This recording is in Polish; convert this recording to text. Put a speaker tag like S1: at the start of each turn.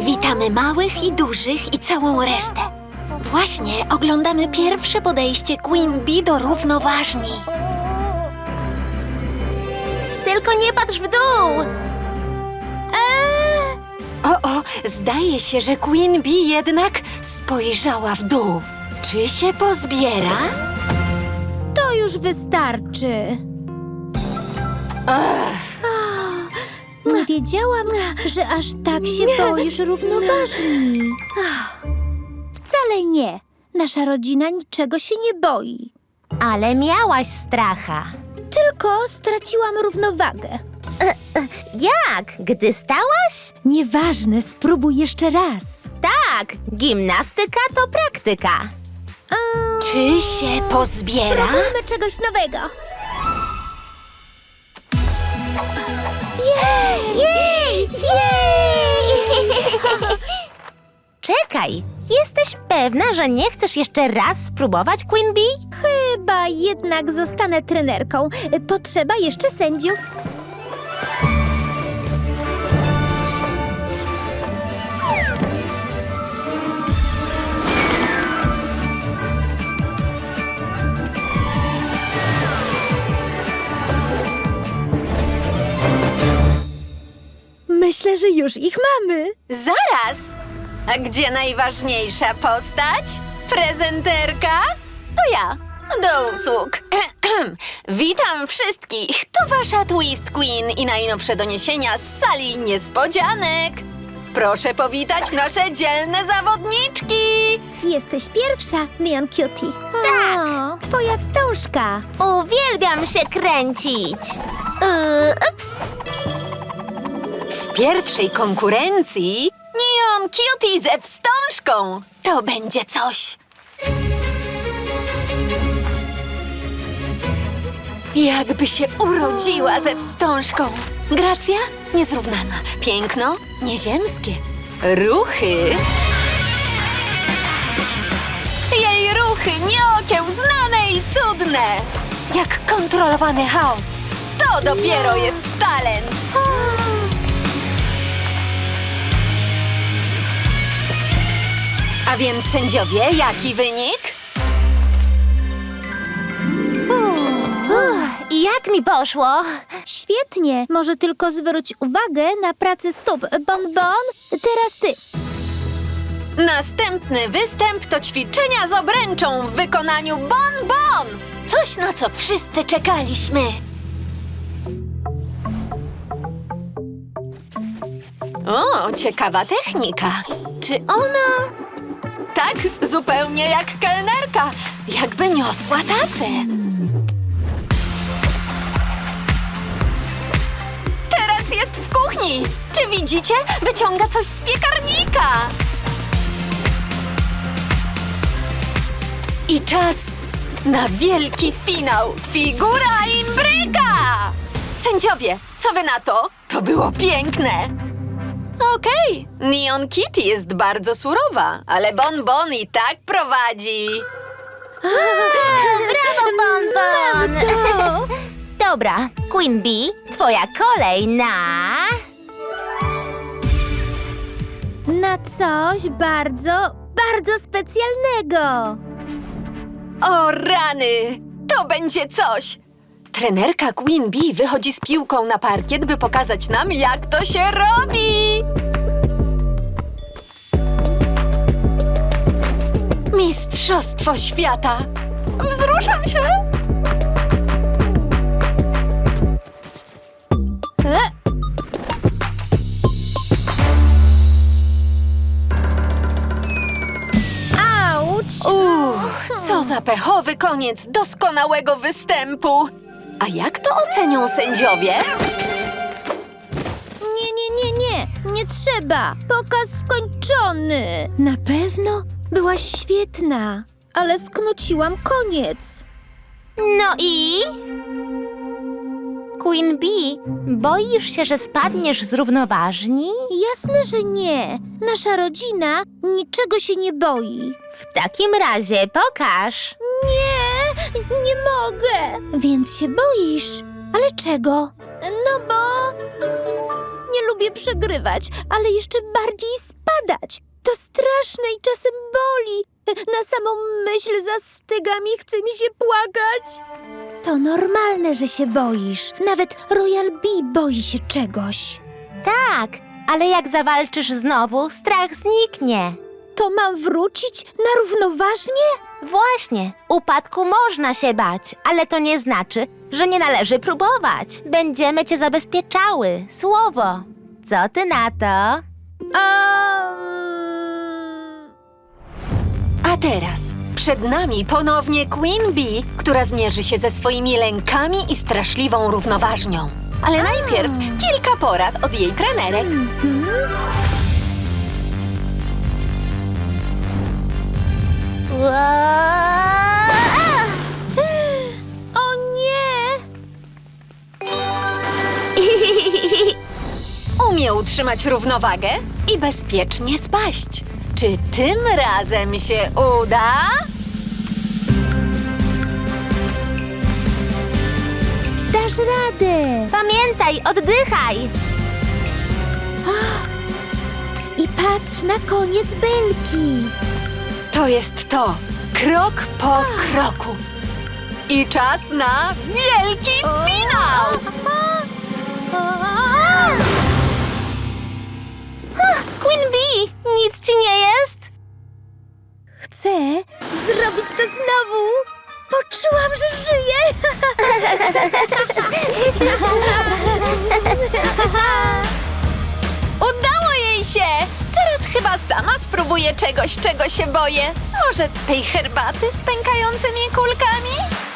S1: Witamy małych i dużych i całą resztę. Właśnie oglądamy pierwsze podejście Queen Bee do równoważni.
S2: Tylko nie patrz w dół!
S1: O, zdaje się, że Queen Bee jednak spojrzała w dół. Czy się pozbiera?
S3: To już wystarczy. Nie wiedziałam, że aż tak się boisz równoważni. Wcale nie. Nasza rodzina niczego się nie boi.
S2: Ale miałaś stracha.
S3: Tylko straciłam równowagę.
S2: Jak? Gdy stałaś?
S3: Nieważne, spróbuj jeszcze raz.
S2: Tak, gimnastyka to praktyka.
S1: Czy się pozbiera?
S3: Spróbujmy czegoś nowego. Jej! Jej! Jej!
S2: Czekaj, jesteś pewna, że nie chcesz jeszcze raz spróbować, Queen Bee?
S3: Chyba jednak zostanę trenerką. Potrzeba jeszcze sędziów. Myślę, że już ich mamy.
S1: Zaraz! A gdzie najważniejsza postać? Prezenterka? To ja. Do usług. Witam wszystkich. To wasza Twist Queen i najnowsze doniesienia z sali niespodzianek. Proszę powitać nasze dzielne zawodniczki.
S3: Jesteś pierwsza, Neon Cutie. Tak. Twoja wstążka.
S2: Uwielbiam się kręcić. Ups.
S1: W pierwszej konkurencji Neon Cutie ze wstążką. To będzie coś. Jakby się urodziła ze wstążką. Gracja niezrównana. Piękno nieziemskie. Ruchy. Jej ruchy nieokiełznane i cudne. Jak kontrolowany chaos. To dopiero jest talent. A więc sędziowie, jaki wynik?
S2: I jak mi poszło?
S3: Świetnie. Może tylko zwróć uwagę na pracę stóp. Bonbon, teraz ty.
S1: Następny występ to ćwiczenia z obręczą w wykonaniu Bonbon. Coś, na co wszyscy czekaliśmy. O, ciekawa technika. Czy ona... Tak, zupełnie jak kelnerka. Jakby niosła tacę. Teraz jest w kuchni. Czy widzicie? Wyciąga coś z piekarnika. I czas na wielki finał. Figura imbryka! Sędziowie, co wy na to? To było piękne. Okej, Neon Kitty jest bardzo surowa, ale Bonbon i tak prowadzi.
S2: Brawo, Bonbon! Dobra, Queen Bee, twoja kolej na...
S3: Na coś bardzo, bardzo specjalnego.
S1: O rany! To będzie coś! Trenerka Queen Bee wychodzi z piłką na parkiet, by pokazać nam, jak to się robi! Mistrzostwo świata! Wzruszam się!
S3: Auć!
S1: Co za pechowy koniec doskonałego występu! A jak to ocenią sędziowie?
S3: Nie trzeba. Pokaz skończony. Na pewno byłaś świetna, ale sknociłam koniec.
S2: No i... Queen Bee, boisz się, że spadniesz z równoważni?
S3: Jasne, że nie. Nasza rodzina niczego się nie boi.
S2: W takim razie pokaż.
S3: Nie mogę. Więc się boisz. Ale czego? No bo... Nie lubię przegrywać, ale jeszcze bardziej spadać. To straszne i czasem boli. Na samą myśl zastyga mi, chce mi się płakać. To normalne, że się boisz. Nawet Royal Bee boi się czegoś.
S2: Tak, ale jak zawalczysz znowu, strach zniknie.
S3: To mam wrócić na równoważnie?
S2: Właśnie, upadku można się bać, ale to nie znaczy, że nie należy próbować. Będziemy cię zabezpieczały, słowo. Co ty na to?
S1: A teraz przed nami ponownie Queen Bee, która zmierzy się ze swoimi lękami i straszliwą równoważnią. Ale najpierw kilka porad od jej trenerek.
S3: O nie!
S1: Umie utrzymać równowagę i bezpiecznie spaść. Czy tym razem się uda?
S3: Dasz radę!
S2: Pamiętaj, oddychaj!
S3: I patrz na koniec belki.
S1: To jest to. Krok po kroku. I czas na wielki finał!
S2: Queen Bee, nic ci nie jest?
S3: Chcę zrobić to znowu. Poczułam, że żyję.
S1: Udało jej się! Teraz chyba sama spróbuję czegoś, czego się boję. Może tej herbaty z pękającymi kulkami?